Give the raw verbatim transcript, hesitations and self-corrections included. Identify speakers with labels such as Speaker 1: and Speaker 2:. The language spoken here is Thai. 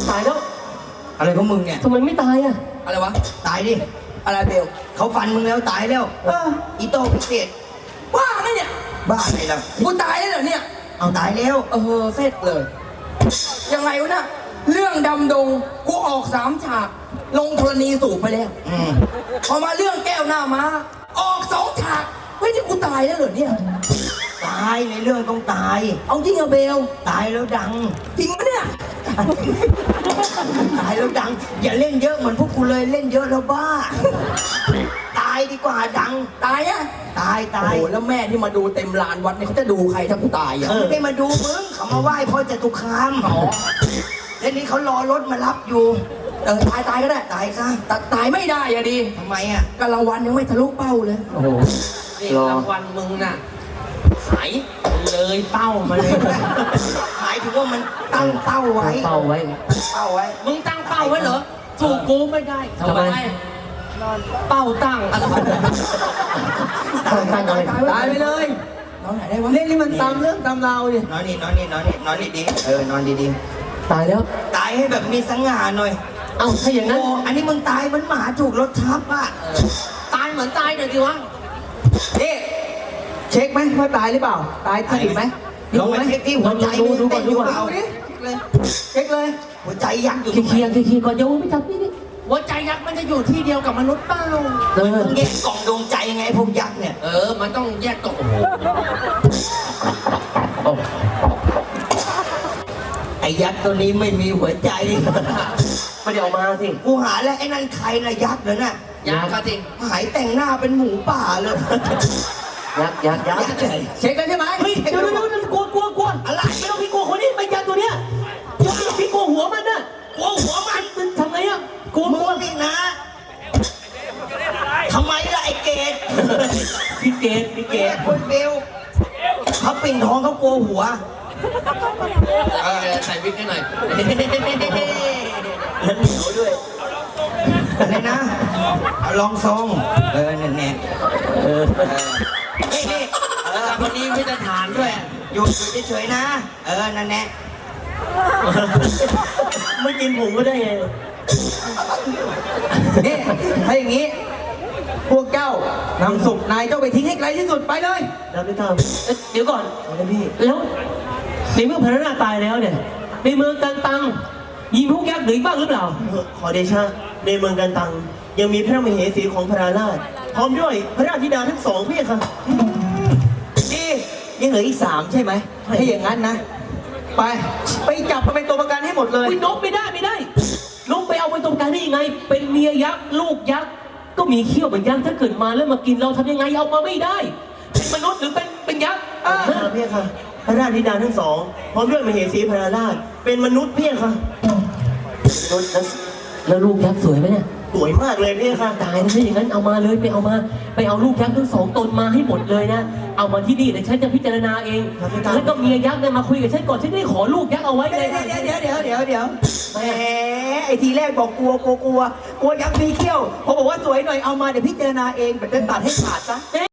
Speaker 1: ตายแล้ว
Speaker 2: อะไรของมึงเนี่ย
Speaker 1: ทำไมไม่ตายอ่ะ
Speaker 2: อะไรวะตายดิอะไรเบลเขาฟันมึงแล้วตายแล้วเอออีโต้พิเศษบ้าไงเนี่ยบ้าอะไรล่ะกูตายแล้วเหรอเนี่ยเอาตายแล้วเออเสร็จเลยยังไงวะน่ะเรื่องดำดงกูออกสามฉากลงธรณีสูบไปแล้วพอมาเรื่องแก้วหน้าม้าออกสองฉากเฮ้ยนี่กูตายแล้วเหรอเนี่ยตายในเรื่องต้องตายเอาจริงอะเบลตายแล้วดังจริงปะเนี่ยตายแล้วดังอย่าเล่นเยอะเหมือนพวกกูเลยเล่นเยอะแล้วบ้าตายดีกว่าดังตายอะตายตายโอ้แล้วแม่ที่มาดูเต็มลานวัดเนี่ยเขาจะดูใครถ้ากูตายอะไม่ได้มาดูมึงเขามาไหว้พ่อจตุคามอ๋อแล้วนี่เขารอรถมารับอยู่เออตายตายก็ได้ตายซะแต่ตายไม่ได้อะดิทำไมอะก็รางวัลยังไม่ทะลุเป้าเลยโอ้โหรางวัลมึงน่ะหายเลยเป้ามาเลยหมายถึงว่ามันตั้งเป้าไว้เป้าไว้เป้าไว้มึงตั้งเป้าไว้เหรอถูกกูไม่ได้ทำไมเป้าตั้งตั้งตั้งอะไรตายไปเลยนอนไหนได้วะเล่นนี่มันตามเรื่องตามราวดินอนนี่นอนนี่นอนนี่นอนนี่ดีเออนอนดีๆตายแล้วตายให้แบบมีสง่าหน่อยเอ้าถ้าอย่างนั้นอันนี้มึงตายเหมือนหมาถูกรถทับอ่ะตายเหมือนตายหน่อยดิวะนี่เช็คไหมว่าตายหรือเปล่าตายถึงไหมลงมาเช็คที่หัวใจมึงเต้นอยู่เปล่าเช็คเลยหัวใจยักอยู่ตรงไหนขี้ขี้ขี้ก่อนโยนไม่จับนี่นี่หัวใจยักษ์มันจะอยู่ที่เดียวกับมนุษย์เปล่าเออแยกกล่องดวงใจไงพวกยักษ์เนี่ยเออมันต้องแยกกล่องโอ้โหไอ้ยักษ์ตัวนี้ไม่มีหัวใจไม่ได้ออกมาสิกูหาแล้วไอ้นั่นใครนะยักษ์เลยน่ะยักษ์จริงหายแต่งหน้าเป็นหมูป่าเลยยักษ์ยักษ์ยักษ์เช็คกันใช่ไหมเฮ้ยเดี๋ยวเดี๋ยวเดี๋ยวกลัวกลัวกลัวอะไรไม่ต้องพี่กลัวคนนี้เป็นยักษ์ตัวเนี้ยยักษ์พี่กลัวหัวมันน่ะกลัวหัวมันทำไงอ่ะกลัวกลัวนี่นะทำไมล่ะไอ้เกดพี่เกดพี่เกดคนเบลเขาปิ่นท้องเขากลัวหัวใส่วิกให้หน่อยแล้วเหนียวด้วยอะไรนะเอาลองทรงเออแน่แน่เออเฮ้ยนี่เออวันนี้ไม่จะทานด้วยอยู่เฉยๆนะเออนั่นแน่ไม่กินผงก็ได้ไงนี่ถ้าอย่างนี้พวกเจ้านำศพนายเจ้าไปทิ้งให้ไกลที่สุดไปเลยแล้วไม่ทำเดี๋ยวก่อนพี่แล้วในเมื่อพระนาตายแล้วเนี่ยในเมืองกันตังยิงพวกยักษ์หรือบ้างหรือเปล่าขอเดชะในเมืองกันตังยังมีพระมเหสีของพระราชพร้อมด้วยพระราชธิดาทั้งสองพี่ค่ะนี่ยังเหลืออีกสามใช่ไหมถ้าอย่างนั้นนะไปไปจับมาเป็นตัวประกันให้หมดเลยนกไม่ได้ไม่ได้นกไปเอาเป็นตัวประกันได้ยังไงเป็นเมียยักษ์ลูกยักษ์ก็มีเขี้ยวเหมือนยักษ์ถ้าเกิดมาแล้วมากินเราทำยังไงเอามาไม่ได้เป็นมนุษย์หรือเป็นเป็นยักษ์อ่าพี่ค่ะพระราชธิดาทั้งสองพร้อมด้วยมเหสีพระราชเป็นมนุษย์พี่ค่ะมนุษย์แล้วลูกยักษ์สวยไหมเนี่ยสวยมากเลยพี่ค่ะตายแล้วถ้าอย่างนั้นเอามาเลยไปเอามาไปเอาลูกยักษ์ทั้งสองตนมาให้หมดเลยนะเอามาที่นี่เดี๋ยวฉันจะพิจารณาเองแล้วก็เมียยักษ์เนี่ยมาคุยกับฉันก่อนฉันได้ขอลูกยักษ์เอาไว้เลยเดี๋ยวเดี๋ยวเดี๋ยวเดี๋ยวแหมไอทีแรกบอกกลัวกลัวกลัวกลัวยักษ์มีเขี้ยวพอบอกว่าสวยหน่อยเอามาเดี๋ยวพิจารณาเองแบบจะตัดให้ขาดซะ